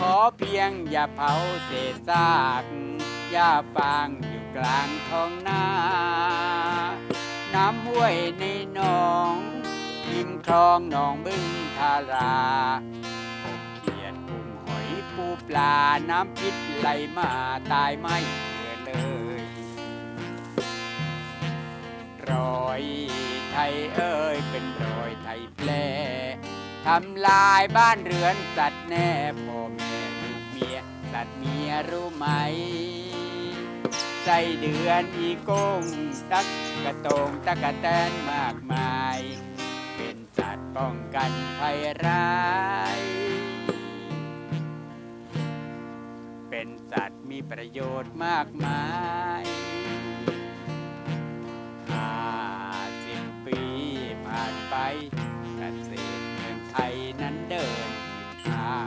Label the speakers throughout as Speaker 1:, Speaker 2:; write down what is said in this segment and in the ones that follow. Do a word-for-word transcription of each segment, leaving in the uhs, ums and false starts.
Speaker 1: อเพียงอย่าเผาเศษซากหญ้าฟางอยู่กลางท้องนา น้ำห้วยในหนองริมคลองหนองบึงทาราพบเขียดกุ้งหอยปูปลาน้ำพิษไหลมาตายไม่เหลือเลยรอยไทยเอ้ยเป็นรอยไทยแปรทำลายบ้านเรือนสัตว์แน่พ่อแม่ลูกเมียสัตว์เมียรู้ไหมไส้เดือนอีโก้งตักกระโตงตะกะแตนมากมายเป็นสัตว์ป้องกันภัยร้ายเป็นสัตว์มีประโยชน์มากมายห้าสิบปีผ่านไปเกษตรเมืองไทยนั้นเดินผิดทาง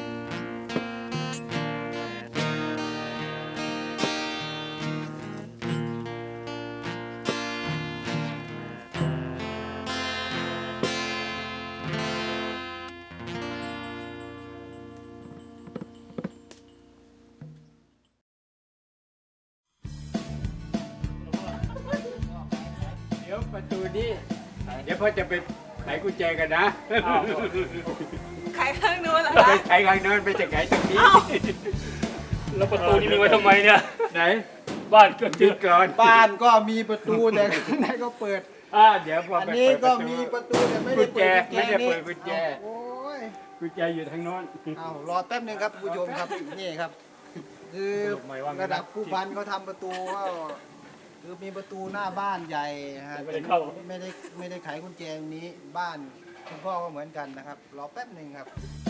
Speaker 1: เดี๋ยวประตูนี้เดี๋ยวพ่อจะไปไขกุญแจกันนะ
Speaker 2: ไขข้างนู้นเหรอ
Speaker 1: ไป
Speaker 2: คะ
Speaker 1: ไขข้างโน้นไปจะไขตรงนี้
Speaker 3: แล้วประตูนี้มีไว้ทำไมเนี่ย
Speaker 1: ไหน
Speaker 3: บ้านก็
Speaker 1: ยึ
Speaker 3: ยึ
Speaker 1: ด
Speaker 3: ด
Speaker 1: ก่อน
Speaker 4: บ้านก็มีประตูแต่ข้างในก็เปิด
Speaker 1: อ่าเดี๋ยวพอ
Speaker 4: อัน
Speaker 1: ไป
Speaker 4: นี้
Speaker 1: เปิดป
Speaker 4: ก็
Speaker 1: ระตู
Speaker 4: มีประตูแต่ไม่
Speaker 1: กุ
Speaker 4: ได้
Speaker 1: ญแจ
Speaker 4: เปิด
Speaker 1: ไม่ได้เปิด
Speaker 4: กุ
Speaker 1: กุ
Speaker 4: ญ
Speaker 1: ญ
Speaker 4: แจ
Speaker 1: แจ
Speaker 4: โอ้ย
Speaker 1: กุญแจอยู่ทางโน้น
Speaker 4: เอารอแป๊บนึงครับผู้ชมครับนี่ครับ คือระดับผู้พันเขาทำประตูก็คือมีประตูหน้าบ้านใหญ่นะฮะ
Speaker 3: ไม่ได้เข้า
Speaker 4: ไม่ได้ไม่ได้ไขกุญแจตรงนี้บ้านคุณพ่อก็เหมือนกันนะครับรอแป๊บนึงครับ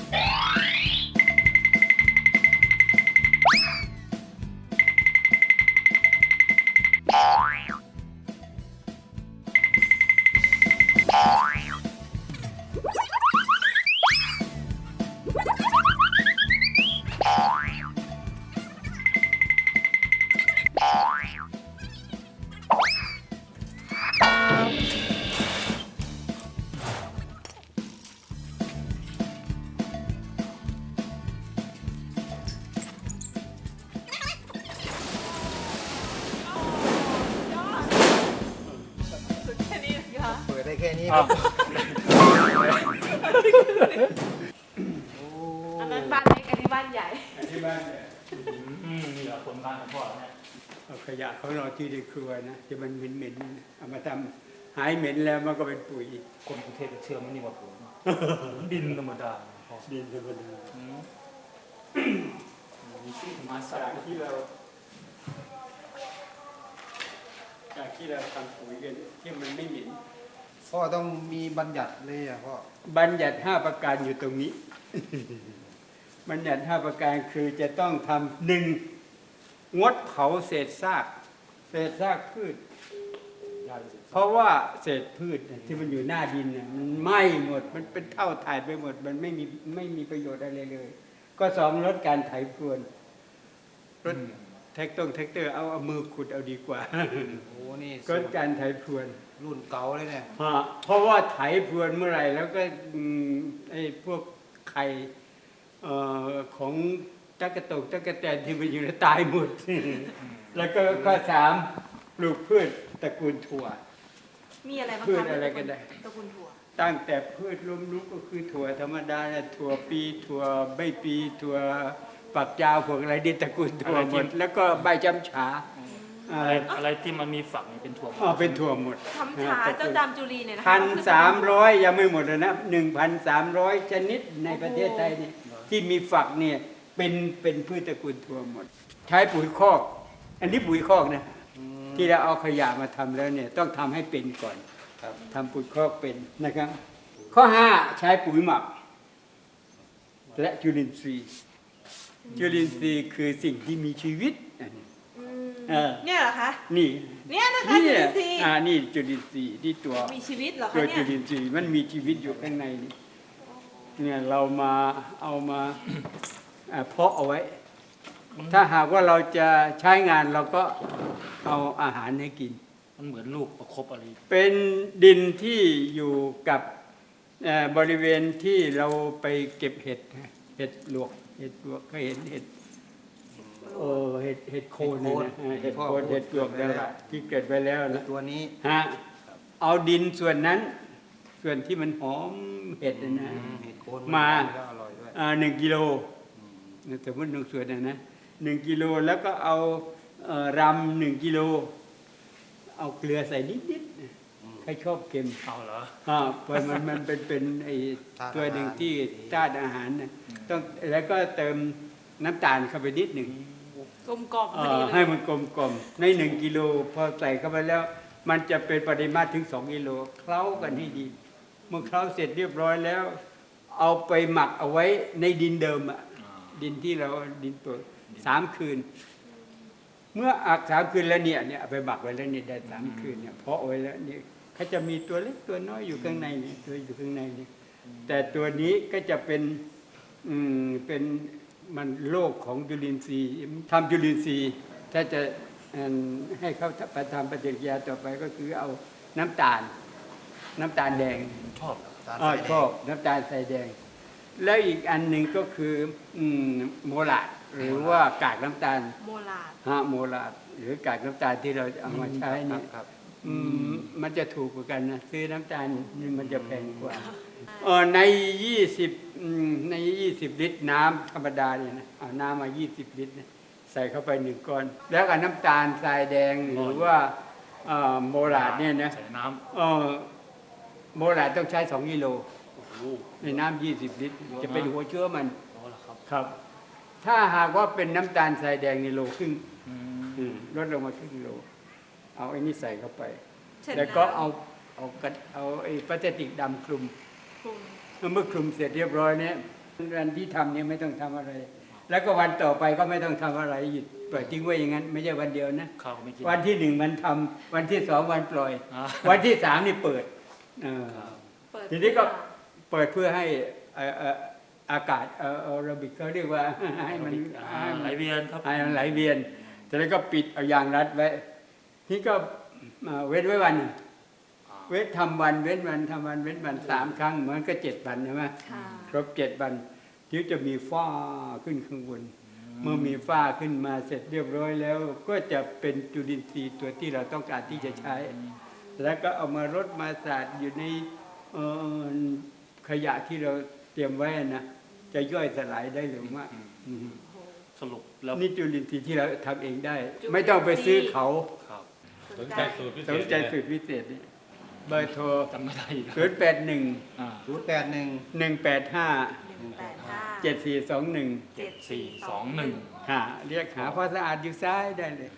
Speaker 2: สุดแค่นี้นะคะ
Speaker 4: เปิดได้แค่นี้ค
Speaker 3: อ้า
Speaker 4: รั
Speaker 3: ว
Speaker 4: บโอ้
Speaker 2: อันนั้นบ้านเล็กอันนี้บ้านใหญ่
Speaker 1: ที่บ้านเนี่ย
Speaker 3: อืมนี่แหละคนบ้านของพ่อเนี่ย
Speaker 1: เอาขยะเขาเราที่ในครัวนะที่มันเหม็นๆเอามาทำหายเหม็นแล้วมันก็เป็นปุ๋ย
Speaker 3: คนกรุงเทพจะเชื่อมันนี่ว่าผมดินธรรมดาพ่อ
Speaker 1: ดินธรรมดา
Speaker 3: อืมมีชื่อมาสั
Speaker 1: จาก
Speaker 3: ก
Speaker 1: ที่เราจากที่เราทำปุ๋ยกันที่มันไม่เหม็น
Speaker 4: พ่อต้องมีบัญญัติเลยอ่ะพ่อ
Speaker 1: บัญญัติห้าประการอยู่ตรงนี้ บัญญัติห้าประการคือจะต้องทำหนึ่งงดเผาเศษซากเศษซากพืช
Speaker 3: ยาสิบ
Speaker 1: เพราะว่าเศษพืชเนี่ยที่มันอยู่หน้าดินเนี่ยมันไหม้หมดมันเป็นเท่าถ่ายไปหมด มันไม่มีไม่มีประโยชน์อะไรเลย ก็สองลดการไถพรวนรถแท็กตงแท็กเตอร์เอาเอามือขุดเอาดีกว่า
Speaker 4: โอ้นี่
Speaker 1: ลดการไถพรวน
Speaker 4: รุ่นเก่าเลยเนี่ย
Speaker 1: ฮะเพราะว่าไถพรวนเมื่อไหร่แล้วก็อืมไอ้พวกไข่เอ่อของตั๊กตกตั๊กแตนที่มันอยู่ในตายหมด แล้วก็ข้อสามปลูกพืชตระกูลถั่ว
Speaker 2: มีอะไรบ้าง
Speaker 1: พืช
Speaker 2: คะ
Speaker 1: อะไรก็ได้
Speaker 2: ตระกูลถั่ว
Speaker 1: ตั้งแต่พืชล้มลุกก็คือถั่วธรรมดาเนี่ยถั่วปีถั่วใบปีถั่วฝักยาวพวกอะไรดินตระกูลถั่วหมด แล้วก็ใบจำฉาอะ
Speaker 3: อะไร ไรอะไรที่มันมีฝักนี่เป็นถั่ว
Speaker 1: อ๋อเป็นถั่วหมด
Speaker 2: ทำฉาเจ้าจามจุลีเนี่ยนะคะ
Speaker 1: พันสามร้อยยังไม่หมดเลยนะหนึ่งพันสามร้อยชนิดในประเทศไทยนี่ที่มีฝักเนี่ยเป็นเป็นพืชตระกูลถั่วหมด ใช้ปุ๋ยคอก อันนี้ปุ๋ยคอกนะที่เราเอาขยะมาทำแล้วเนี่ยต้องทำให้เป็นก่อนทำปุ๋ยคอกเป็นนะครับ ข้อห้าใช้ปุ๋ยหมัก และจุลินทรีย์ จุลินทรีย์คือสิ่งที่มีชีวิตอันนี้
Speaker 2: อืม
Speaker 1: เออ
Speaker 2: เนี่ยเหรอคะ
Speaker 1: นี่
Speaker 2: เนี่ยนะคะจุลินทรีย์
Speaker 1: อ่านี่จุลินทรีย์ที่ตัว
Speaker 2: มีชีวิตเหรอ
Speaker 1: ตั
Speaker 2: คะ
Speaker 1: ว
Speaker 2: เนี่
Speaker 1: จุ
Speaker 2: ย
Speaker 1: ลินทรีย์มันมีชีวิตอยู่ข้างในนี่เนี่ยเรามาเอามาอ่าเพาะเอาไว้ ถ้าหากว่าเราจะใช้งานเราก็เอาอาหารให้กิน
Speaker 3: มันเหมือนลูกประคบอะไร
Speaker 1: เป็นดินที่อยู่กับเอ่อบริเวณที่เราไปเก็บเห็ดนะเห็ดหลวกเห็ดปลวกก็เห็นเห็ดโอ้เห็ดเห็ดโคนเนี่ยนะเห็ดโคนเห็ดปลวกแล้วที่เกิดไปแล้วนะ
Speaker 4: ตัวนี้
Speaker 1: ฮะเอาดินส่วนนั้น ส่วนที่มันหอมเห็ดนะนะ
Speaker 4: เห็ดโคน
Speaker 1: มา
Speaker 4: แล้วอร่อยด้วย
Speaker 1: อ่าหนึ่งกิโลสมมติหนึ่งส่วนนะนะหนึ่งกิโลแล้วก็เอาเอ่อรำหนึ่งกิโลเอาเกลือใส่นิดๆนะใครชอบเค็ม
Speaker 3: เอาเหรอ
Speaker 1: อ่าเพราะมันมันเป็นเป็นไอ้ตัวหนึ่งที่ธาตุอาหารนะต้องแล้วก็เติมน้ำตาลเข้าไปนิดหนึ่ง
Speaker 2: กลมกล่อมพอ
Speaker 1: เอ่
Speaker 2: ดี
Speaker 1: อ
Speaker 2: เลย
Speaker 1: ให้มันกลมกลมในหนึ่งกิโลพอใส่เข้าไปแล้ว มันจะเป็นปริมาตรถึงสองกิโลเคล้ากันให้ดี เมื่อเคล้าเสร็จเรียบร้อยแล้ว เอาไปหมักเอาไว้ในดินเดิมอะดินที่เราดินเปิดสามคืน เมื่ออักสามคืนแล้วเนี่ยเนี่ยเอาไปหมักไว้แล้วเนี่ยได้สามคืนเนี่ยเพาะไว้แล้วเนี่ยเขาจะมีตัวเล็กตัวน้อยอยู่ข้างในเนี่ยตัวอยู่ข้างในเนี่ยแต่ตัวนี้ก็จะเป็นอืมเป็นมันโลกของจุลินทรีย์ทำจุลินทรีย์ถ้าจะอืมให้เขาไปทำปฏิกิริยาต่อไปก็คือเอาน้ำตาล น้ำตาลแดง
Speaker 3: ชอบ
Speaker 4: ตาล
Speaker 1: อ๋อ
Speaker 4: ทรายแดง
Speaker 1: ชอบน้ำตาลใส่แดง แล้วอีกอันหนึ่งก็คืออืมโมลาดหรือว่ากากน้ำตาล
Speaker 2: โมลาด
Speaker 1: ฮะโมลาดหรือกากน้ำตาลที่เราเอามาใช้
Speaker 4: ครั
Speaker 1: เนี่
Speaker 4: บ
Speaker 1: ย
Speaker 4: ครับ
Speaker 1: อืมมันจะถูกกว่ากันนะซื้อน้ำตาลนี่มันจะแพงกว่าเออในยี่สิบในยี่สิบลิตรน้ำธรรมดาเนี่ยนะเอาน้ำมายี่สิบลิตรนะใส่เข้าไปหนึ่งก้อน แล้วกับน้ำตาลทรายแดงหรือว่าเอ่อโมลาดเนี่ยนะ
Speaker 3: ใส่น้
Speaker 1: เออโมลาดต้องใช้สองกิโล
Speaker 3: ำโอ้โห
Speaker 1: ในน้ำยี่สิบลิตร จะเป็นหัวเชื้อมัน
Speaker 3: เอาละครับ
Speaker 1: ครับ ถ้าหากว่าเป็นน้ำตาลทรายแดงในโลครึ่ง
Speaker 3: อืม
Speaker 1: อืมลดลงมาครึ่งโล เอาไอ้นี่ใส่เข้าไป
Speaker 2: เช่น
Speaker 1: แล้วก็เอาเอากระเอาไอ้พลาสติกดำคลุม
Speaker 2: คลุม
Speaker 1: เมื่อคลุมเสร็จเรียบร้อยเนี่ยวันที่ทำเนี่ยไม่ต้องทำอะไร แล้วก็วันต่อไปก็ไม่ต้องทำอะไรหยุดปล่อยทิ้งไว้อย่างนั้น ไม่ใช่วันเดียวนะ
Speaker 3: ข้าวไม่กิน
Speaker 1: วันที่หนึ่งมันทำวันที่สองวันปล่อย
Speaker 3: อ่า
Speaker 1: วันที่สามนี่เปิดเออ
Speaker 3: ครับ
Speaker 2: เปิด
Speaker 1: ทีนี้ก็เปิดเพื่อให้เอ่อเอ่ออากาศเอ่อแอโรบิกเขาเรียกว่า ให้มัน
Speaker 3: อ่าไหลเวียนครับ
Speaker 1: ให้มันไหลเวียนจากนั้นก็ปิดเอายางรัดไว้นี่ก็เอ่อเว้นไว้วันหนึ่ง
Speaker 3: อ่า
Speaker 1: เว้นทำวันเว้นวันทำวันเว้นวันสามครั้งมันก็เจ็ดวันใช่ไหม
Speaker 2: ค่ะ
Speaker 1: ครบเจ็ดวันที่จะมีฝ้าขึ้นข้างบน เมื่อมีฝ้าขึ้นมาเสร็จเรียบร้อยแล้ว ก็จะเป็นจุลินทรีย์ตัวที่เราต้องการที่จะใช้ แล้วก็เอามารดมาสาดอยู่ในเอ่อขยะที่เราเตรียมไว้นะจะย่อยสลายได้เร็วมากอืม
Speaker 3: สรุปแล้ว
Speaker 1: นี่จุลินทรีย์ที่เราทำเองได้ ไม่ต้องไปซื้อเขา
Speaker 3: ครับ
Speaker 2: สนใจ
Speaker 1: สนใจสูตรพิเศษนี่เบอร์โทร
Speaker 3: จำไม่ได้อีก
Speaker 1: ศูนย์แปดหนึ่ง
Speaker 3: อ่า
Speaker 4: ศูนย์แปดหนึ่ง
Speaker 1: หนึ่งแปดห้า
Speaker 2: หนึ่งแปดห้า
Speaker 1: เจ็ดสี่สองหนึ่ง
Speaker 3: เจ็ดสี่สองหนึ่ง
Speaker 1: หาเรียกหาพ่อสะอาดอยู่ซ้ายได้เลย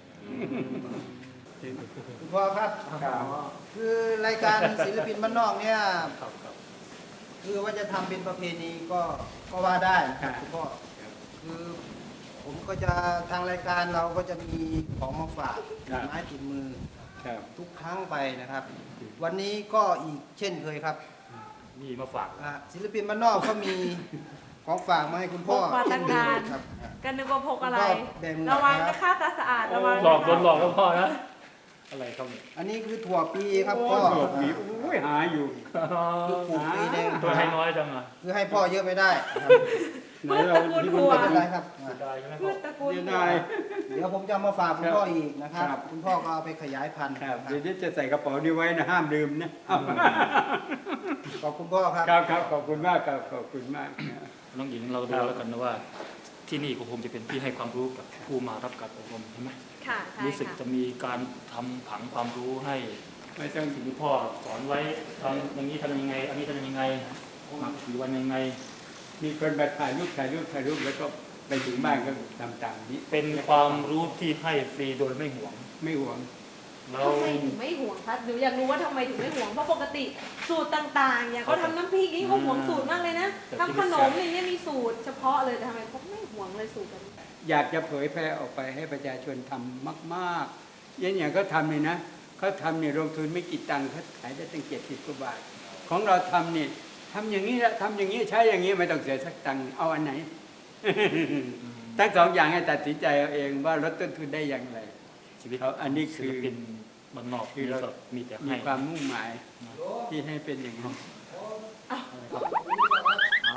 Speaker 4: คุณพ่อครับ คือรายการศิลปินบ้านนอกเนี่ย
Speaker 3: ครับครับ
Speaker 4: คือว่าจะทำเป็นประเพณีก็ก็ว่าได้นะครับคุณพ่อคือผมก็จะทางรายการเราก็จะมีของมาฝากติดไม้ติดมือ
Speaker 1: ครับ
Speaker 4: ทุกครั้งไปนะครับ วันนี้ก็อีกเช่นเคยครับ
Speaker 3: นี่มาฝาก
Speaker 4: อ่ะศิลปินบ้านนอกก็มีของฝากมาให้คุณพ่อ
Speaker 2: พกมาตั้งนาน
Speaker 4: ครับ
Speaker 2: กันนึกว่าพกอะไร
Speaker 4: ก็แบ่ง
Speaker 2: ระวัง
Speaker 4: ครั
Speaker 2: นะ
Speaker 4: บ
Speaker 2: คะตาสะอาดระวัง
Speaker 3: หลอกโดนหลอกแล้วพ่อนะ อะไรครับเนี่ย
Speaker 4: อันนี้คือถั่วปีครับ
Speaker 1: โอ้
Speaker 4: พ่อ
Speaker 1: โหมีโอ้ยหาอยู่
Speaker 4: คือปลูกปีหนึง
Speaker 3: ตัวให้น้อยจังอ่ะ
Speaker 4: คือให้พ่อเยอะไม่ได้ครับ
Speaker 1: ไหนเราที่มัน
Speaker 4: ไม่
Speaker 1: เป็
Speaker 4: เป็น
Speaker 1: น
Speaker 4: ไรครับอ่ะ
Speaker 3: ได้ใช่ไหม
Speaker 2: พื
Speaker 3: พ่อ
Speaker 2: ชตระกูล
Speaker 1: เดี๋ยวได้
Speaker 4: เดี๋ยวผมจะเอามาฝากคุณพ่ออีกนะครับ
Speaker 1: ครับ
Speaker 4: คุณพ่อก็เอาไปขยายพันธุ์
Speaker 1: ครับ
Speaker 4: นะ
Speaker 1: เดี๋ยวนี้จะใส่กระเป๋านี้ไว้นะห้ามลืมนะ
Speaker 4: ขอบคุณพ่อครับ
Speaker 1: ครับครับขอบคุณมากครับขอบคุณมากนะ
Speaker 3: น้องหญิงเราดูแล้วกันนะว่า ที่นี่ก็คงจะเป็นที่ให้ความรู้กับผู้มารับการอบรมใช่ไหม
Speaker 2: ค่ะใช่
Speaker 3: รู้สึก
Speaker 2: ค่ะ
Speaker 3: จะมีการทำผังความรู้ให้
Speaker 1: ไม่ต้อง
Speaker 3: สิ่งที่พ่อสอนไว้ทำอย่างนี้ทำยังไง อันนี้ทำยังไงหมักกี่วันยังไง
Speaker 1: มีคนมาถ่ายรูปถ่ายรูปถ่ายรูปแล้วก็ไปถึงบ้านก็ทำตามนี้
Speaker 3: เป็นความรู้ที่ให้ฟรีโดยไม่ห่วง
Speaker 1: ไม่หวง
Speaker 3: เรา
Speaker 2: ทำไมถึงไม่ห่วงคะหนูอยากรู้ว่าทำไมถึงไม่ห่วง เพราะปกติสูตรต่างๆ อย่างเขาทำน้ำพริกนี่เขาห่วงสูตรมากเลยนะทำขนมอย่างเงี้ยมีสูตรเฉพาะเลยแต่ทำไมเขาไม่ห่วงเลยสูตรแบบนี้
Speaker 1: อยากจะเผยแพร่ออกไปให้ประชาชนทำมากๆอย่างอย่างเขาทำเลยนะเขาทำเนี่ยลงทุนไม่กี่ตังค์เขาขายได้ตั้งเจ็ดสิบกว่าบาท ของเราทำเนี่ยทำอย่างนี้ละทำอย่างนี้ใช้อย่างนี้ไม่ต้องเสียสักตังค์เอาอันไหน ทั้งสองอย่างให้ตัดสินใจเอาเองว่าลดต้นทุนได้อย่างไร
Speaker 3: ชีวิต
Speaker 1: เขาอันนี้คือ
Speaker 3: ศิลปินบ้านนอก
Speaker 1: คือ
Speaker 3: นี่
Speaker 1: เรา
Speaker 3: ก็มีแต่
Speaker 1: มี
Speaker 3: ให้
Speaker 1: ความมุ่งหมายที่ให้เป็นอย่างนั้น
Speaker 3: อ่า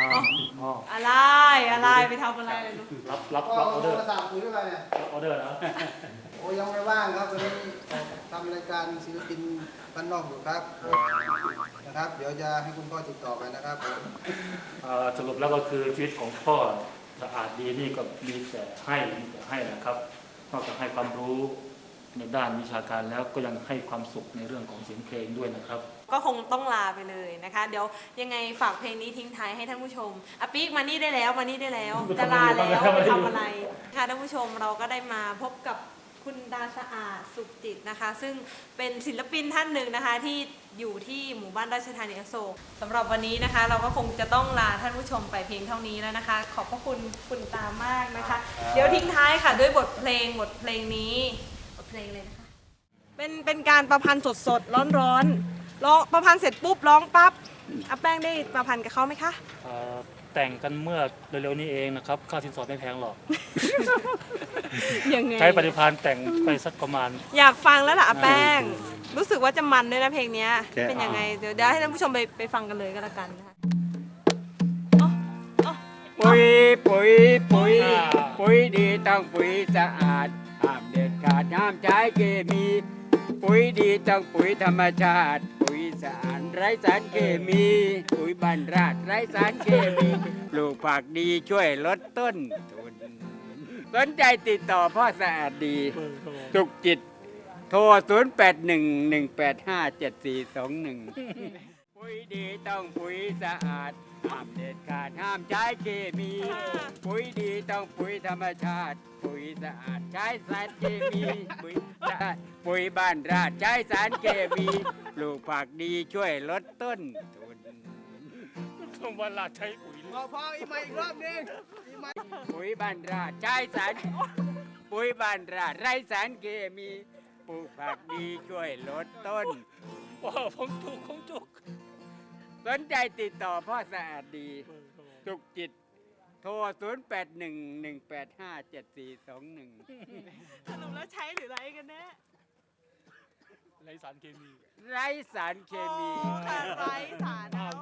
Speaker 3: อ๋อ
Speaker 2: อะไรอะไรไปทำอะไรเลยลูก
Speaker 3: รับรับ
Speaker 4: ก็
Speaker 3: รับอ
Speaker 4: ผ
Speaker 3: อ
Speaker 4: ม
Speaker 3: เดอร์
Speaker 4: มาสั่งปุ๋ยอะไรเนี่ย
Speaker 3: รับออเดอร์นะ
Speaker 4: โอ้ยังไม่ว่างครับวันนี้ทำรายการศิลปินบ้านนอกอยู่ครับนะครับ เดี๋ยวจะให้คุณพ่อติดต่อไปนะครับผม
Speaker 3: เอ่อสรุปแล้วก็คือชีวิตของพ่อสะอาดดีนี่ก็มีแต่ให้มีแต่ให้นะครับนอกจากให้ความรู้ในด้านวิชาการแล้วก็ยังให้ความสุขในเรื่องของเสียงเพลงด้วยนะครับ
Speaker 2: ก็คงต้องลาไปเลยนะคะ เดี๋ยวยังไงฝากเพลงนี้ทิ้งท้ายให้ท่านผู้ชมอ่ะปิ๊กมานี่ได้แล้วมานี่ได้แล้วจะลาแล้วไปทำอะไรค่ะท่านผู้ชมเราก็ได้มาพบกับคุณดาสะอาดสุขจิตนะคะ ซึ่งเป็นศิลปินท่านหนึ่งนะคะที่อยู่ที่หมู่บ้านราชธานีอโศกสำหรับวันนี้นะคะ เราก็คงจะต้องลาท่านผู้ชมไปเพียงเท่านี้แล้วนะคะ ขอบพระคุณคุณตามากนะคะ เดี๋ยวทิ้งท้ายค่ะด้วยบทเพลงบทเพลงนี้บทเพลงเลยนะคะ เป็นเป็นการประพันธ์สดๆร้อนๆร้องประพันธ์เสร็จปุ๊บร้องปั๊บอาแป้งได้ประพันธ์กับเขาไหมคะ
Speaker 3: เอ่อแต่งกันเมื่อเร็วๆนี้เองนะครับค่าสินสอดไม่แพงหรอก
Speaker 2: ยังไง
Speaker 3: ใช้ปฏิภาณแต่งไปสักประมาณ
Speaker 2: อยากฟังแล้วล่ะอาแป้ง รู้สึกว่าจะมันด้วยนะเพลงเนี้ยเป็นยังไงเดี๋ยวเดี๋ยวให้ท่านผู้ชมไปไปฟังกันเลยก็แล้วกันนะคะอ๋ออ๋อ
Speaker 1: ปุ๋ยปุ๋ยปุ๋ย
Speaker 3: อ่า
Speaker 1: ปุ๋ยดีต้องปุ๋ยสะอาดห้ามเด็ดขาดห้ามใช้เคมี ปุ๋ยดีต้องปุ๋ยธรรมชาติ ปุ๋ยสะอาดไร้สารเคมี ปุ๋ยบรรราดไร้สารเคมีปลูกผักดีช่วยลดต้นทุนสนใจติดต่อพ่อสะอาดดีสุขจิต โทร ศูนย์ แปด หนึ่ง หนึ่ง แปด ห้า เจ็ด สี่ สอง หนึ่ง ปุ๋ยดีต้องปุ๋ยสะอาดห้ามเด็ดขาดห้ามใช้เคมี ปุ๋ยดีต้องปุ๋ยธรรมชาติ ปุ๋ยสะอาดใช้สารเคมี ปุ๋ยสะอาดปุ๋ยบ้านราดใช้สารเคมีปลูกผักดีช่วยลดต้นทุน
Speaker 3: ต้องเวลาใช้ปุ๋ย
Speaker 4: พอพออีกมาอีกรอบนึงอีกมา
Speaker 1: ปุ๋ยบ้านราดใช้สารปุ๋ยบ้านราดไร้สารเคมีปลูกผักดีช่วยลดต้น
Speaker 3: โอ้ผมจุกผมจุก
Speaker 1: สนใจติดต่อพ่อสะอาดดีสุขจิต โทร ศูนย์ แปด หนึ่ง หนึ่ง แปด ห้า เจ็ด สี่ สอง หนึ่ง
Speaker 2: สรุปแล้วใช้หรือไรกันแน่
Speaker 3: ไรสารเคมี
Speaker 1: ไร้สารเคมี
Speaker 2: โอ้ค่ะไร้สาร
Speaker 3: อ้าว